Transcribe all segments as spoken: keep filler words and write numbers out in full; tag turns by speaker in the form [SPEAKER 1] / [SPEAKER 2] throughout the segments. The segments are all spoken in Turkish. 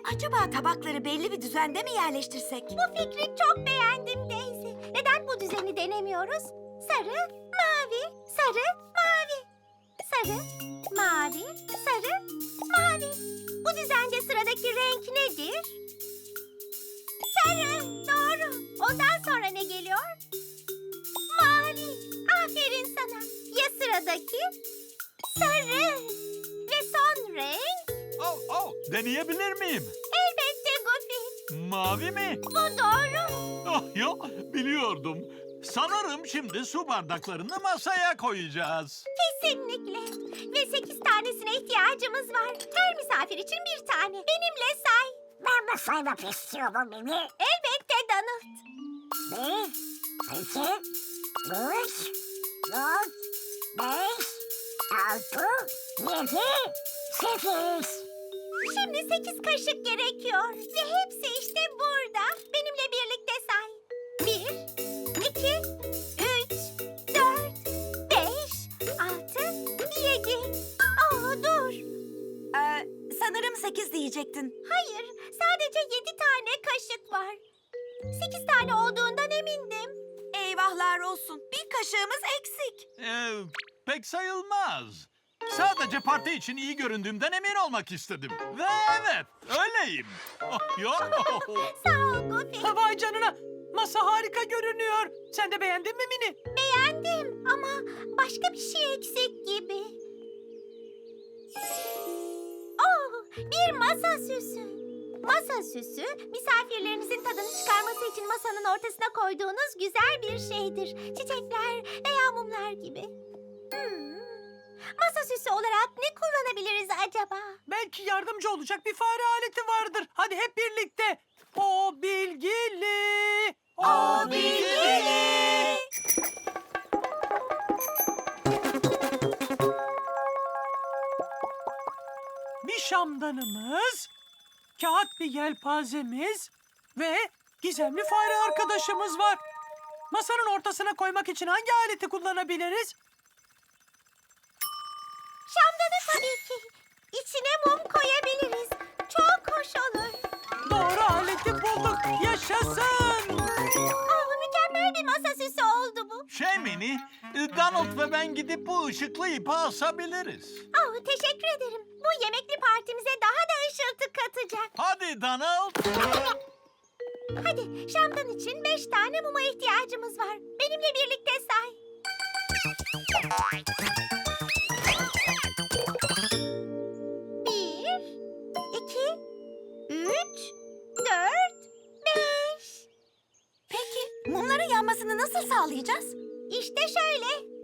[SPEAKER 1] Acaba tabakları belli bir düzende mi yerleştirsek?
[SPEAKER 2] Bu fikri çok beğendim Daisy. Neden bu düzeni denemiyoruz? Sarı, mavi, sarı, mavi. Sarı, mavi, sarı, mavi. Bu düzende sıradaki renk nedir? Sarı, doğru. Ondan sonra ne geliyor? Mavi. Aferin sana. Ya sıradaki? Sarı. Ve son renk?
[SPEAKER 3] Oh, oh, deneyebilir miyim?
[SPEAKER 2] Elbette Goofy.
[SPEAKER 3] Mavi mi?
[SPEAKER 2] Bu doğru.
[SPEAKER 3] Oh, yo, biliyordum. Sanırım şimdi su bardaklarını masaya koyacağız.
[SPEAKER 2] Kesinlikle. Ve sekiz tanesine ihtiyacımız var. Her misafir için bir tane. Benimle say.
[SPEAKER 4] Ben de saymak istiyorum beni.
[SPEAKER 2] Elbette Donald.
[SPEAKER 4] Bir, iki, üç, dört, beş, altı, yedi, sekiz.
[SPEAKER 2] Şimdi sekiz kaşık gerekiyor. Ve hepsi işte burada. Benimle birlikte say. Bir, iki, üç, dört, beş, altı, yedi. Aa dur.
[SPEAKER 1] Ee, sanırım sekiz diyecektin.
[SPEAKER 2] Hayır, sadece yedi tane kaşık var. Sekiz tane olduğundan emindim.
[SPEAKER 1] Eyvahlar olsun. Bir kaşığımız eksik.
[SPEAKER 3] Ee, pek sayılmaz. Sadece parti için iyi göründüğümden emin olmak istedim. Ve evet, öyleyim. Oh, yo.
[SPEAKER 2] Sağ ol Goofy.
[SPEAKER 5] Vay canına. Masa harika görünüyor. Sen de beğendin mi Mini?
[SPEAKER 2] Beğendim ama başka bir şey eksik gibi. Oh, bir masa süsü. Masa süsü, misafirlerinizin tadını çıkarması için masanın ortasına koyduğunuz güzel bir şeydir. Çiçekler veya mumlar gibi. Hmm. Masa süsü olarak ne kullanabiliriz acaba?
[SPEAKER 5] Belki yardımcı olacak bir fare aleti vardır. Hadi hep birlikte. O bilgili.
[SPEAKER 2] O bilgili.
[SPEAKER 5] Bir şamdanımız, kağıt bir yelpazemiz ve gizemli fare arkadaşımız var. Masanın ortasına koymak için hangi aleti kullanabiliriz?
[SPEAKER 2] Şamdanı tabii ki. İçine mum koyabiliriz. Çok hoş olur.
[SPEAKER 5] Doğru aleti bulduk. Yaşasın.
[SPEAKER 2] Oh, mükemmel bir masa süsü oldu bu.
[SPEAKER 3] Şey Mini, Donald ve ben gidip bu ışıklı ipi asabiliriz.
[SPEAKER 2] Oh, teşekkür ederim. Bu yemekli partimize daha da ışıltı katacak.
[SPEAKER 3] Hadi Donald.
[SPEAKER 2] Hadi şamdan için beş tane muma ihtiyacımız var. Benimle birlikte say. Bir, iki, üç, dört, beş.
[SPEAKER 1] Peki mumların yanmasını nasıl sağlayacağız?
[SPEAKER 2] İşte şöyle.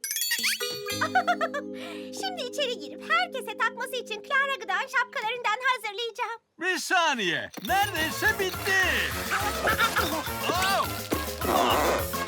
[SPEAKER 2] Şimdi içeri girip herkese takması için Clara Gıda'nın şapkalarından hazırlayacağım.
[SPEAKER 3] Bir saniye. Neredeyse bitti. Oh! Oh!